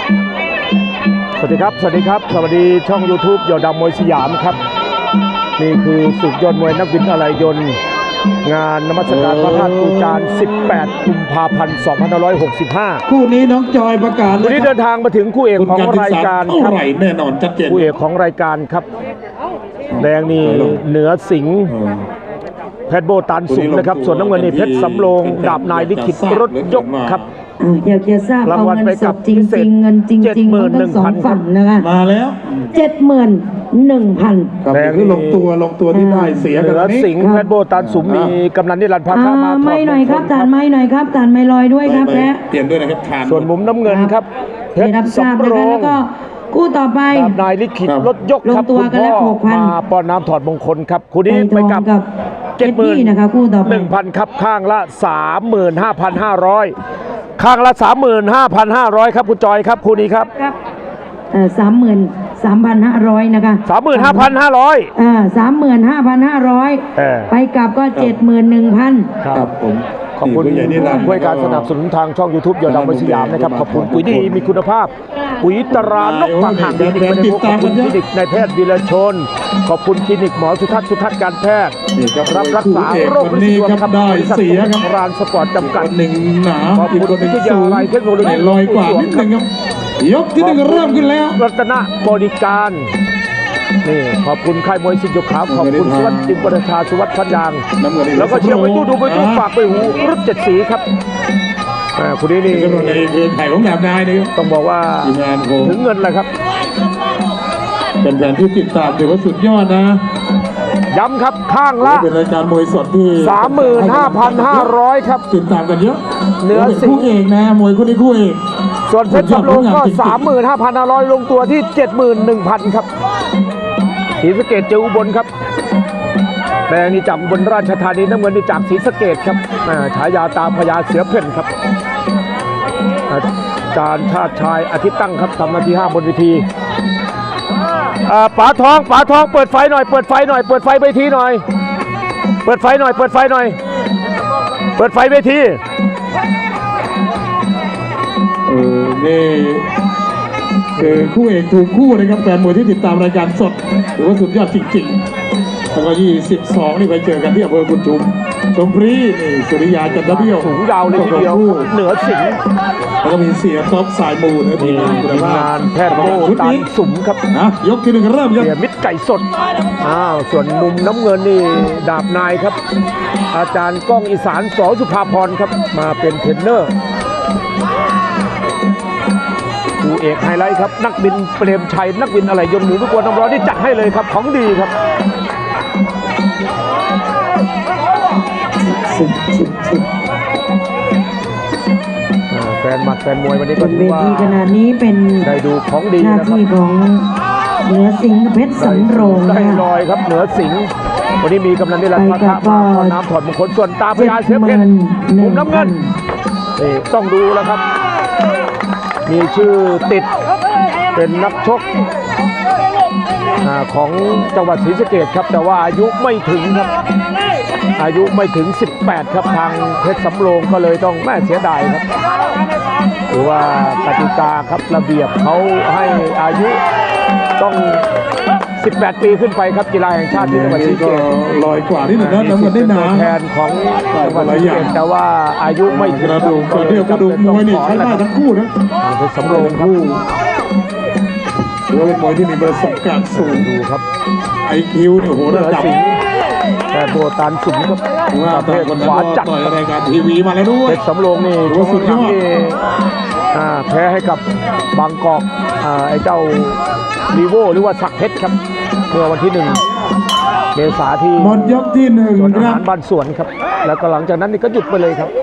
สวัสดีครับสวัสดีช่อง YouTube ยอดดำมวยสยามครับนี่คือศึกยอดมวยนักบินอะไหล่ยนต์งานนมัสการพระธาตุปูจาน18 กุมภาพันธ์2565 คู่นี้น้องจอยประกาศวันนี้เดินทางมาถึงคู่เอกของรายการครับแน่นอนชัดเจนคู่เอกของรายการครับแดงนี่เหนือสิงห์เพชรโบตันสุขนะครับส่วนน้ำเงินนี่เพชรสำโรงดาบนายลิขิตรถยกครับอยากจะทราบเอาเงินสดจริงๆเงินจริงๆทั้งสองฝั่งนะคะมาแล้ว 71,000 แดงที่ลงตัวที่ได้เสียกันนี้สิงห์เพชรโบตันสุขมีกำนันนิรันดร์พาข้ามาไม่หน่อยครับทานไม่หน่อยครับทานไม่ลอยด้วยครับแพ้เปลี่ยนด้วยนะครับทานส่วนมุมน้ำเงินครับเพชรสำโรงแล้วก็คู่ต่อไปนายลิขิตรถยกครับคุณพ่อมาป้อนน้ำถอดมงคลครับคู่นี้ไปกับ 70,000นะคะคู่ต่อไป 1,000 ครับข้างละ 35,500 ข้างละ 35,500 ครับคุณจอยครับคู่นี้ครับ 33,500 นะคะ 35,500 35,500ไปกลับก็ 71,000 ครับผมขอบคุณด้วยการสนับสนุนทางช่อง YouTube ยอดดำมวยสยามนะครับขอบคุณปุ๋ยดีมีคุณภาพปุ๋ยตรานกบางห่างคลินิกไม่ได้พบขอบคุณคลินิกนายแพทย์วีรชนขอบคุณคลินิกหมอสุทัศน์การแพทย์รับรักษาโรคประจำตัวครับได้เสียครับรานสปอร์ตจำกัดหนึ่งหนาขอบคุณวิทยาลัยเทคโนโลยีลอยกว่านิดนึงครับยกที่หนึ่งเริ่มขึ้นแล้วรัตนบริการนี่ขอบคุณค่ายมวยสิงห์ยกขาวขอบคุณสุวัสดิ์จิมประชาสุวัสดิ์พันยางแล้วก็เชียร์ไปตู้ดูไปตู้ฝากไปหูรุ่น7 สีครับคุณนี้นี่คือไข่ของแบบนายนี่ต้องบอกว่าถึงเงินเลยครับเป็นแฟนที่ติดตามถือว่าสุดยอดนะย้ำครับข้างละเป็นรายการมวยสดที่ 35,500 ครับติดตามกันเยอะเหนือสิงห์คู่เอกนะมวยคู่นี้คู่เอกส่วนเพชรสำโรงก็ 35,500 ลงตัวที่ 71,000 ครับศรีสะเกษเจออุบลครับแดงนี่จากอุบลราชธานีน้ำเงินนี่จากศรีสะเกษครับฉายาตาพญาเสือเพ่นครับอาจารย์ชาติชายอาทิตย์ตั้งครับทำหน้าที่5บนเวทีป๋าทองเปิดไฟหน่อยเปิดไฟเวทีหน่อยเปิดไฟหน่อยเปิดไฟเวทีนี่คือคู่เอกถูกคู่นะครับแฟนมวยที่ติดตามรายการสดถือว่าสุดยอดจริงๆแล้วก็22นี่ไปเจอกันที่อำเภอบุญชุมชมพรีนี่สุริยาจันทร์เบี้ยวสูงยาวเลยทีเดียวเหนือสิงห์แล้วก็มีเสียท็อปสายมูนะทีมงานแพทย์โบตันสุมครับนะยกที่หนึ่งเริ่มครับเสียมิตรไก่สดส่วนมุมน้ำเงินนี่ดาบนายครับอาจารย์ก้องอีสานส.สุภาพรครับมาเป็นเทรนเนอร์คู่เอกไฮไลท์ครับนักบินเปรมชัยนักบินอะไรยนต์หมูทุกคนน้ำร้อนที่จัดให้เลยครับของดีครับแฟนหมัดแฟนมวยวันนี้ก็ถือว่าขนาดนี้เป็นได้ดูของดีหน้าที่ของเหนือสิงห์เพชรสำโรงได้ลอยครับเหนือสิงห์วันนี้มีกำนันนิรันดร์พาข้ามาน้ำถอดมงคลส่วนตาพญาเสือเพ่นมุมน้ำเงินนี่ต้องดูแล้วครับมีชื่อติดเป็นนักชกของจังหวัดศรีสะเกษครับแต่ว่าอายุไม่ถึงครับอายุไม่ถึง18ครับทางเพชรสำโรงก็เลยต้องแม่เสียดายครับหรือว่ากติกาครับระเบียบเขาให้อายุต้อง18 ปีขึ้นไปครับกีฬาแห่งชาติที่จังหวัดศรีสะเกษลอยกว่าที่หนึ่งนะน้ำเงินได้หนาแทนของจังหวัดศรีสะเกษแต่ว่าอายุไม่ถึงกระดูกมวยนี่ใช้ได้ทั้งคู่นะเพชรสำโรงครับถือว่าเป็นมวยที่มีประสบการณ์สูงดูครับ IQ เนี่ยโหระดับแต่โบตันสุมครับประเภทขวาจัดรายการทีวีมาแล้วด้วยเพชรสำโรงนี่สุดยอดแพ้ให้กับบางกอกไอ้เจ้าลีโวหรือว่าสักเพชรครับเมื่อวันที่1 เมษายนที่หมดยกที่1 สวนอาหารบ้านสวนครับแล้วก็หลังจากนั้นนี่ก็หยุดไปเลยครับ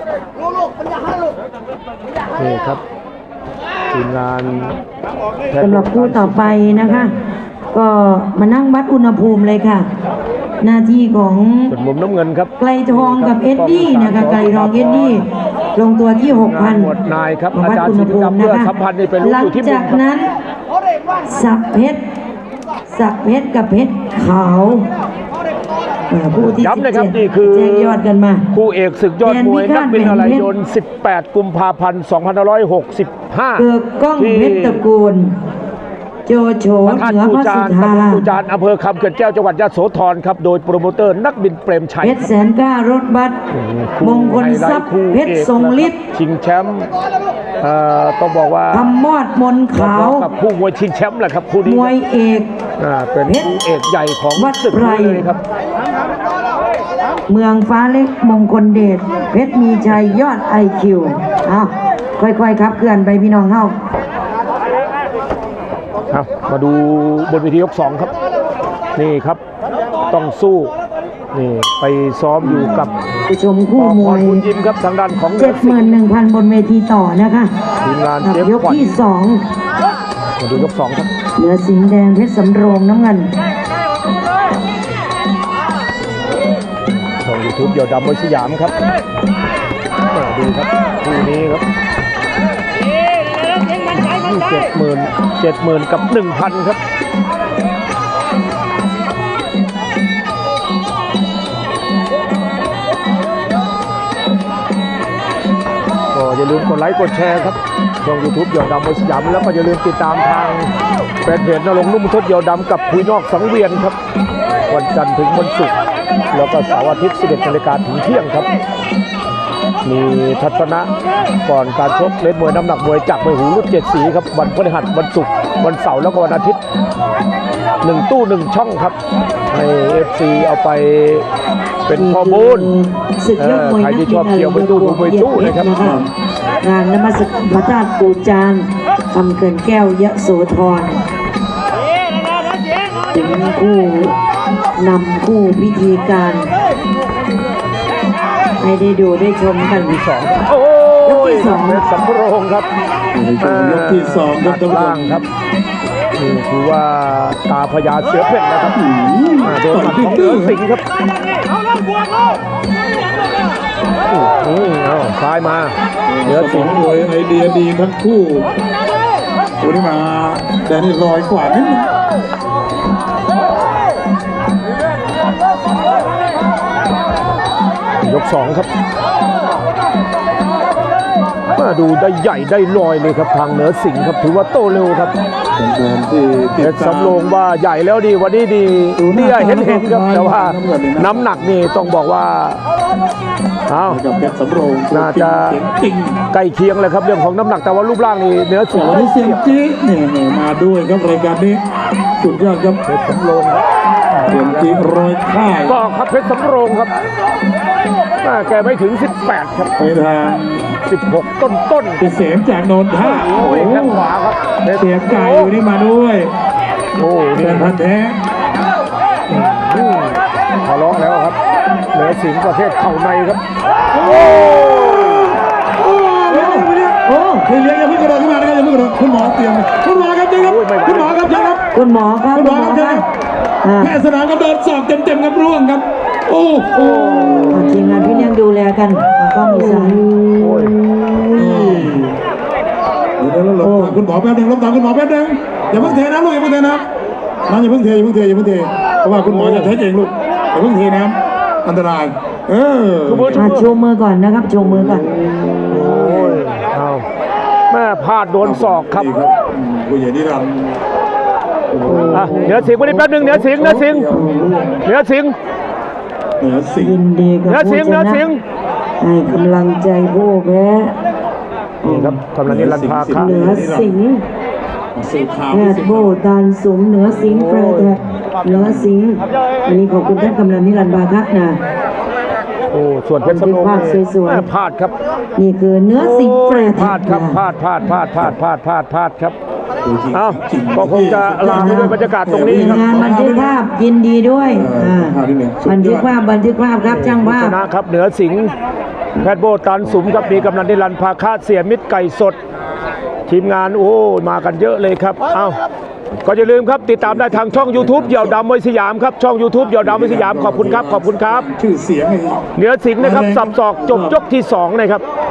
นี่ครับทีมงานสำหรับคู่ต่อไปนะคะก็มานั่งวัดอุณหภูมิเลยค่ะหน้าที่ของมุมน้ำเงินครับไกลทองกับเอ็ดดี้นะคะไกลทองเอ็ดดี้ลงตัวที่ 6,000 หมดนายครับอาจารย์ศิลปกรรมเพื่อสัมพันธ์นี่เป็นรู้อยู่ที่มุมหลังจากนั้นสักเพชรกับเพชรขาวผู้ที่ย้ำนะครับ 17 นี่คือแจ้งยอดกันมาคู่เอกศึกยอดมวยแดนพิฆานัตกบินอะไรยนแหวนต์ 18 กุมภาพันธ์ 2565 เกิดกล้องเพชรตระกูล โจโฉพระธาตุเหนือปูพระจาสุนธาตำบลปูจานอำเภอคำเขื่อนแก้วจังหวัดยะโสธรครับโดยโปรโมเตอร์นักบินเปรมชัยเพชรแสนกล้ารถบัสมงคลทรัพย์เพชรทรงฤทธิ์ชิงแชมป์ต้องบอกว่าทำมอดมนขาวกับคู่มวยชิงแชมป์แหละครับคู่นี้มวยเอกเป็นคู่เอกใหญ่ของวัดศึกไพรนี้เลยครับเมืองฟ้าเล็กมงคลเดชเพชรมีชัยยอดไอคิวเอาค่อยๆครับเคลื่อนไปพี่น้องเฮาครับมาดูบนเวทียก 2 ครับ นี่ครับต้องสู้นี่ไปซ้อมอยู่กับผู้ชมคู่มพวรยบุญยิมครับทางด้านของเหนือสิงห์ 71,000 บนเวทีต่อนะคะทีมงานกับเจฟยกขวัญที่มาดูยก 2 ครับ 2 เหนือสิงห์แดงเพชรสำโรงน้ำเงินช่องยูทูบเดี่ยวดำมวยสยามครับดูครับคู่นี้ครับ70,000 กับ 1,000 ครับก็อย่าลืมกดไลค์กดแชร์ครับช่อง YouTube เดี่ยวดำมวยสยามแล้วก็อย่าลืมติดตามทางแฟนเพจนรงค์นุ่มทศเดี่ยวดำกับคุยนอกสังเวียนครับวันจันทร์ถึงวันศุกร์แล้วก็เสาร์อาทิตย์ 11 นาฬิกาถึงเที่ยงครับ มีทัศนะก่อนการชกเล่นมวยน้ำหนักมวยจากไปหูรุ่น7 สีครับวันพฤหัสวันศุกร์วันเสาร์แล้วก็วันอาทิตย์1 ตู้ 1 ช่องครับให้ FC เอาไปเป็นข้อมูลศึกยอดมวยใครนักที่บิชอบนเที่ยวไปตู้ดูไปตู้นะครับงานนมัสการพระธาตุปูจานคำเขื่อนแก้วยะโสธรถึงคู่นำคู่พิธีการ ให้ได้ดูได้ชมกันโอ้ยกยที่สองเพชรสำโรงครับในช่วงยกที่2ครับท่านผู้ชล่างมครับนี่คือว่าตาพญาเสือเพ่นนะครับโดนหมัดของเหนือสิงห์ครับเอาซ้ายมาเหนือสสิองงห์มวยไอเดียดีทั้งคู่วันนี้มาแต่นี่ลอยกว่านิดนึงยก 2 ครับมาดูได้ใหญ่ได้ลอยเลยครับทางเหนือสิงห์ครับถือว่าโตเร็วครับแฟนๆที่เพติดชรตามสำโรงว่าใหญ่แล้วดีวันนี้ดีนี่เห็นครับแต่ว่าน้ำหนักนี่ต้องบอกว่าเอากับเพชรสำโรงน่าจะเสียงจริงใกล้เคียงเลยครับเรื่องของน้ำหนักแต่ว่ารูปร่างนี่เหนือสิแต่งห์วันนี้เสียงจี๊ดเนี่ยมาด้วยครับรายการนี้สุดยอดครับเพชรสำโรงครับเสียงจี๊ดร้อยค่ายก็ครับเพชรสำโรงครับแกไม่ถึง 18 ครับไปทาง 16 ต้นเสียงจากโนนท่าโอ้ยแข้งขวาครับเสียงไก่อยู่นี่มาด้วยโอ้แฟนี่นพันธุ์แท้ทะเลาะแล้วครับเหนือสิงห์ประเภทเข่าในครับโอ้คือเลี้ยงอย่าเพิ่งกระโดดขึ้นมานะครับอย่าเพิ่งกระโดดคุณหมอเตรียมคุณหมอครับเชิญครับคุณหมอครับเชิญครับคุณหมอครับคุณหมอครับเชิญอ่าแพทย์สนามครับโดนสอบเต็มๆครับร่วงครับ โอ้โหทีมงานพี่เลี้ยงดูแลกันกล้องอีสานโอ้ยเดี๋ยวเราหลบคุณหมอแป๊บนึงหลบตามคุณหมอแป๊บนึงอย่าเพิ่งเทน้ำลูกอย่าเพิ่งเทน้ำน้ำอย่าเพิ่งเทอย่าเพิ่งเทอย่าเพิ่งเทเพราะว่าคุณหมอจะเทเองลูกอย่าเพิ่งเทน้ำอันตรายชูมือโชว์มือก่อนนะครับโชว์มือก่อนโอ้ยเอาแม่พลาดโดนศอกครับนี่ครับผู้ใหญ่นิรันดร์เหนือสิงห์วันนี้แป๊บนึงเหนือสิงห์เหนือสิงห์เหนือสิงห์เหนือสิงยิห์นดีกับเหนือผู้สิงห์ชเหนือนะสิงห์ให้กำลังใจผู้แพ้นี่ครับกำลังนิรันดร์พาคะเหนือสิงห์สื่อข่าวแพทย์โบตานสุมเหนือสิงห์แฟร์แท็กเหนือสิงห์อันนี้ขอบคุณท่านกำลังนิรันดร์บาคะนะโอ้ส่วนเพชรสำโรงภาพสวยๆแม่พลาดครับนี่คือเนื้อสิงห์แฟร์พแท็ลาก ดครับนะพลาดครับเอาก็คงจะลาไปด้วยบรรยากาศตรงนี้ครับงานบันทึกภาพยินดีด้วยบันทึกภาพครับช่างภาชพนะครับเหนือสิงห์แพทย์โบตันสุมครับมีกำนันนิรันดร์พาคะเสียมิตรไก่สด ทีมงานโอ้มากันเยอะเลยครับเอาก็อย่าลืมครับติดตามได้ทางช่อง YouTube เหยี่ยวดำมวยสยามครับช่อง YouTube เหยี่ยวดำมวยสยามขอบคุณครับชื่อเสียงไอ้เหนือสิงห์นะครับสับศอกจบยกที่ 2 นะครับ